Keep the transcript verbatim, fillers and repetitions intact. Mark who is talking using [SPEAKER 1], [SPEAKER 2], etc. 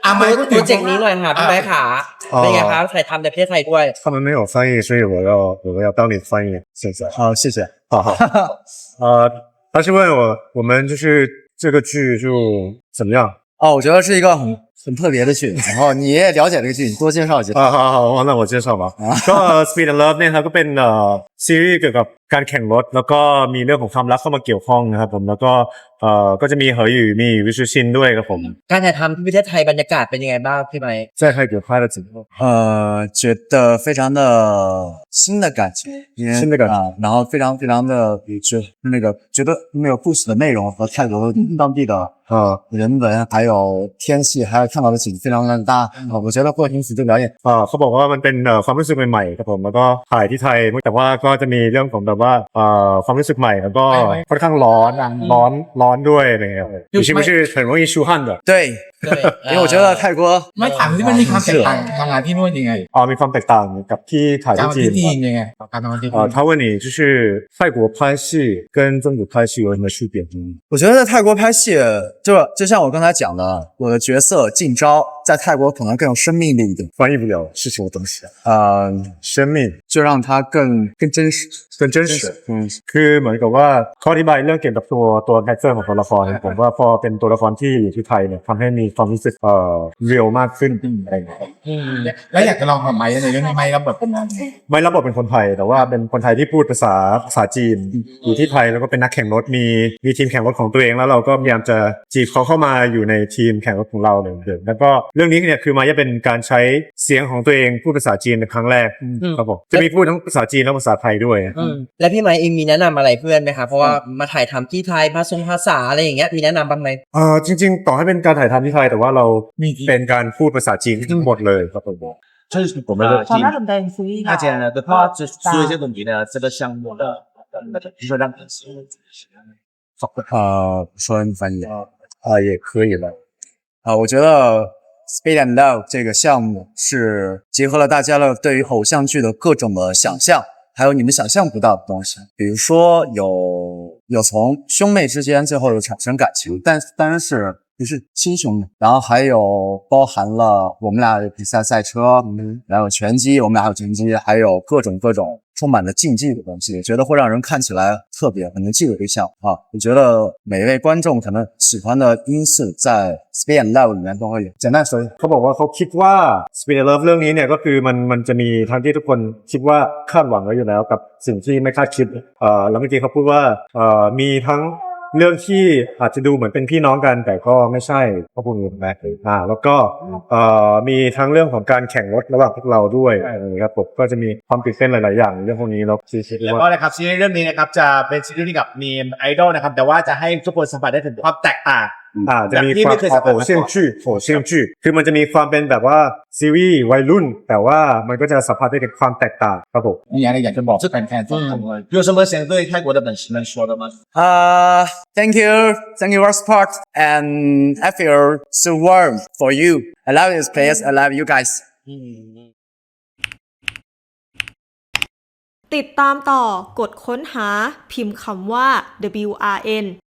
[SPEAKER 1] อ่ะไมค์พูด
[SPEAKER 2] โป
[SPEAKER 1] ถึ
[SPEAKER 2] รง เจกต์นี้หน่อยค่ะพี่ไม้ขาเป็นไงคะถ่ายทำในประเทศไทยด้วย
[SPEAKER 3] 他们没有翻译，所以我要我要当你翻译，谢谢。
[SPEAKER 4] 好，谢谢。
[SPEAKER 3] 好好。呃，他是问我我们就是这个剧就怎么样？
[SPEAKER 4] 哦，我觉得是一个很很特别的剧，然后你也了解这个剧，你多介绍介绍。
[SPEAKER 3] 啊，好好好，那我介绍吧。ก็ Speed and Love เนี่ยครับก็เป็นเอ่อซีรีส์เกี่ยวกับการแข่งรถแล้วก็มีเรื่องของความรักเข้ามาเกี่ยวข้องนะครับผมแล้วก็เอ่อก็จะมีเหอหยู่มีวิชูชินด้วยครับผม
[SPEAKER 2] การถ่ายทำที่ประเทศไทยบรรยากาศเป็นยังไงบ้างพี่ไม้
[SPEAKER 3] 在泰国拍了几部
[SPEAKER 4] 呃，觉得非常的新的感觉，因为
[SPEAKER 3] 新的感觉
[SPEAKER 4] 啊，然后非常非常的觉那个觉得那个故事的内容和泰国当地的
[SPEAKER 3] 啊
[SPEAKER 4] 人文还有天气还有看到的景非常的搭啊，我觉得会因此对表演
[SPEAKER 3] อ่าเขาบอกว่ามันเป็นเอ่อความรู้สึกใหม่ๆครับผมแล้วก็ถ่ายที่ไทยแต่ว่าก็จะมีเรื่องของแบบว่าเอ่อความรู้สึกใหม่แล้วก็ค่อนข้างร้อนร้อนร้อนด้วยอะไรเงี้ยอยู่是不是很容易出汗的
[SPEAKER 4] 对，
[SPEAKER 2] 对
[SPEAKER 4] 因为我觉得泰国
[SPEAKER 1] ไม่ถามที่มันมีความแตกต่างทำงานที่นู่นยังไง
[SPEAKER 3] อ่ามีความแตกต่างกับที่ถ่าย
[SPEAKER 1] การ
[SPEAKER 3] ที่
[SPEAKER 1] มา
[SPEAKER 3] จี
[SPEAKER 1] ที่
[SPEAKER 3] น
[SPEAKER 1] จีนยังไงการทำงานที่
[SPEAKER 3] 啊，
[SPEAKER 1] นู่น
[SPEAKER 3] 他问你就是泰国拍戏跟中国拍戏有什么区别？
[SPEAKER 4] 我觉得在泰国拍戏，就就像我刚才讲的，我的角色进招在泰国可能更有生命力一点，
[SPEAKER 3] 翻译不了是什么东西啊？
[SPEAKER 4] 呃，
[SPEAKER 3] 生命
[SPEAKER 4] 就让它更更真实。
[SPEAKER 3] 更真实อืมคือเหมือนกับว่าเขาอธิบายเรื่องเกี่ยวกับตัวตัวคาแรคเตอร์ของตัวละครผมว่าพอเป็นตัวละครที่อยู่ที่ไทยเนี่ยทำให้มีความรู้สึกเอ่อเรียลมากขึ้นอะไรอย่างเงี้ย
[SPEAKER 2] อืม
[SPEAKER 1] แล้วอยากจะลองกับไมค์ในเรื่องนี้ไมค์รับบทเป็นอะไร
[SPEAKER 3] ไม่รับบทเป็นคนไทยแต่ว่าเป็นคนไทยที่พูดภาษาภาษาจีนอยู่ที่ไทยแล้วก็เป็นนักแข่งรถมีมีทีมแข่งรถของตัวเองแล้วเราก็พยายามจะจีบเขาเข้ามาอยู่ในทีมแข่งรถของเราเลยเดิมแล้วก็เรื่องนี้เนี่ยคือมาจะเป็นการใช้เสียงของตัวเองพูดภาษาจีนในครั้งแรกครับผมจะมีพูดทั้งภาษาจีนและภาษาไทยด้วย
[SPEAKER 2] อืมแล้วพี่ไม้เองมีแนะนำอะไรเพื่อนไหมคะเพราะว่ามาถ่ายทำที่ไทยภาษาภาษาอะไรอย่างเงี้ยมีแนะนำบ้างไหม
[SPEAKER 3] เอ่อจริงๆต่อให้เป็นการถ่ายทำที่ไทยแต่ว่าเราเป็นการพูดภาษาจีนทั้งหมดเลยครับผม
[SPEAKER 5] 这是我们的
[SPEAKER 6] ความน่าสนใจซีรีส์
[SPEAKER 5] 大家呢的话，就说一些问题呢，这个项目的，比如说让粉丝
[SPEAKER 4] 呃，说你翻译
[SPEAKER 3] 啊也可以了
[SPEAKER 4] 啊，我觉得 Speed and Love 这个项目是结合了大家的对于偶像剧的各种的想象，还有你们想象不到的东西，比如说有有从兄妹之间最后有产生感情，但当然是不是亲兄妹，然后还有包含了我们俩有比赛赛车，嗯，然后拳击，我们俩还有拳击，还有各种各种充满了竞技的东西，我觉得会让人看起来特别很能记住这个项目啊。我觉得每一位观众可能喜欢的因素在 Speed and Love 里面都会有。简单说，
[SPEAKER 3] เขาบอกว่าเขาคิดว่า Speed and Love เรื่องนี้เนี่ยก็คือมันมันจะมีทั้งที่ทุกคนคิดว่าคาดหวังไว้อยู่แล้วกับสิ่งที่ไม่คาดคิดเอ่อแล้วเมื่อกี้เขาพูดว่าเอ่อมีทั้งเรื่องที่อาจจะดูเหมือนเป็นพี่น้องกันแต่ก็ไม่ใช่เขาพูดอย่างนั้นอ่าแล้วก็เอ่อมีทั้งเรื่องของการแข่งรถระหว่างพวกเราด้วยนะครับผมก็จะมีความตื่นเต้นหลายๆอย่างเรื่องพวกนี้แล้วซีซี
[SPEAKER 5] แล้ว
[SPEAKER 3] ว่า
[SPEAKER 5] ก็นะครับซีรีส์เรื่องนี้นะครับจะเป็นซีรีส์ที่กับมีไอดอลนะครับแต่ว่าจะให้ทุกคนสัมผัสได้ถึงความแตกต่าง
[SPEAKER 3] อ่าจะมีความโหเซียงชื่อโหเซียงชื่อคือมันจะมีความเป็นแบบว่าซีรีส์วัยรุ่นแต่ว่ามันก็จะสัมผัสได้ถึงความแตกต่างครับผม
[SPEAKER 1] มีอะไรอยากจะบอกแฟนๆทุกคน
[SPEAKER 5] 有什么想对泰国的粉丝们说的吗？
[SPEAKER 4] Uh, thank you, thank you for support, and I feel so warm for you. I love this place. I love you guys.
[SPEAKER 7] ติดตามต่อกดค้นหาพิมพ์คำว่า ดับเบิลยู อาร์ เอ็น